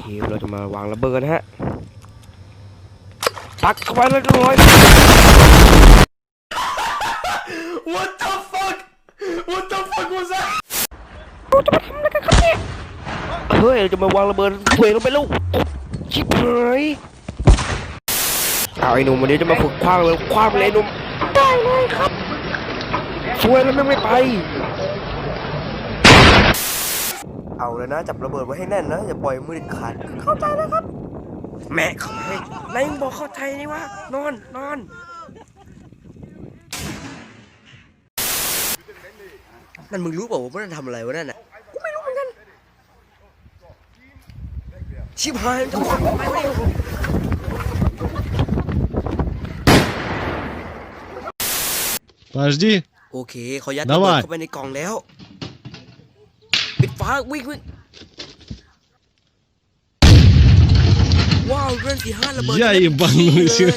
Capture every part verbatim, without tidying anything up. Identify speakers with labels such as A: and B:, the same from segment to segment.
A: เราจะมาวางระเบิดนะฮะปักเข้าไปเลยทุกคน
B: What the fuck What the fuck was that
A: เราจะมาทำอะไรกันครับเนี่ยเฮ้ยเราจะมาวางระเบิดเวยลงไปลูกชิบหายเอาไอ้หนุ่มวันนี้จะมาฝึกคว้างเลยคว้างเลยหนุ่มได้เลยครับช่วยแล้วไม่ไม่ไปเอาเลยนะจับระเบิดไว้ให้แน่นนะอย่าปล่อยมือเด็ดขาดเข้าใจแล้วครับแม่เข้าใจนายบอกเข้าใจนี่วะนอนนอนนั่นมึงรู้เปล่าว่ามันทำอะไรวะนั่นน่ะกูไม่รู้เหมือนกันชิบหายจะวางไปไม่
C: Подожди.
A: โอเคเขายัดระเบิดเข้าไปในกล่องแล้วปิดฝาวิ่งวิ่งว้าวเรื่องที่ห้าระเบิด
C: Я ебанулся.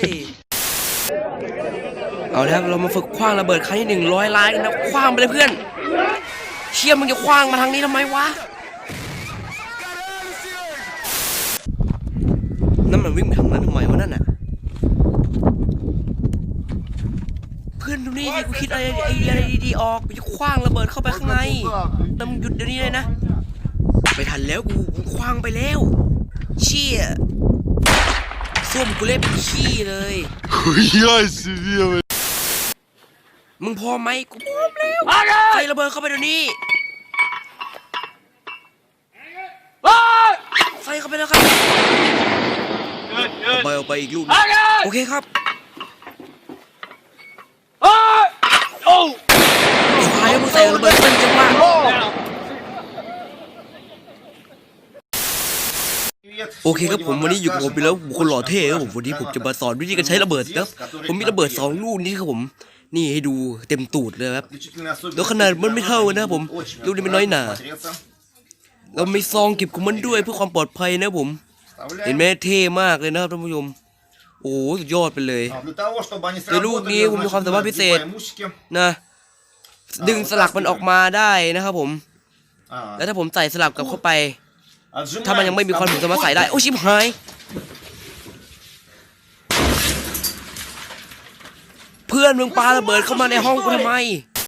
A: เอาแล้วเรามาฝึกคว้างระเบิดครั้งที่หนึ่งร้อยล้านกันนะคว้างไปเลยเพื่อนเชี่ยมึงจะคว้างมาทางนี้ทำไมวะนั่นมันวิ่งไปทางนั้นทำไมวะนั่นน่ะเพื่อนดูนี่ดิกูคิดอะไรไอเดียอะไรดีๆออกกูจะคว้างระเบิดเข้าไปข้างในแต่มึงหยุดเดี๋ยวนี้เลยนะไปทันแล้วกูคว้างไปแล้วเชี่ยส้วมกูเล่นเป็นขี้เลย
C: Хуя себе.
A: มึงพอไหมกูพร้อมแล้วใส่ระเบิดเข้าไปเดี๋ยวนี้ใส่เข้าไปแล้วครับเอาไปเอาไปอีกลูกนึงโอเคครับใครมึงใส่ระเบิดเป็นจังหวะโอเคครับผมวันนี้อยู่กับผมไปแล้วคนหล่อเท่ครับผมวันนี้ผมจะมาสอนวิธีการใช้ระเบิดครับผมมีระเบิดสองลูกนี้ครับผมนี่ให้ดูเต็มตูดเลยครับแล้วขนาดมันไม่เท่ากันนะผมลูกนี้มันน้อยหนาเรามีซองเก็บของมันด้วยเพื่อความปลอดภัยนะผมเห็นไหมเท่มากเลยนะครับท่านผู้ชมโอ้สุดยอดไปเลยแต่ลูกนี้ผมมีความสามารถพิเศษนะดึงสลักมันออกมาได้นะครับผมแล้วถ้าผมใส่สลักกลับเข้าไปถ้ามันยังไม่มีความผมสามารถใส่ได้โอ้ชิบหายเพื่อนมึงปาระเบิดเข้ามาในห้องกูทำไม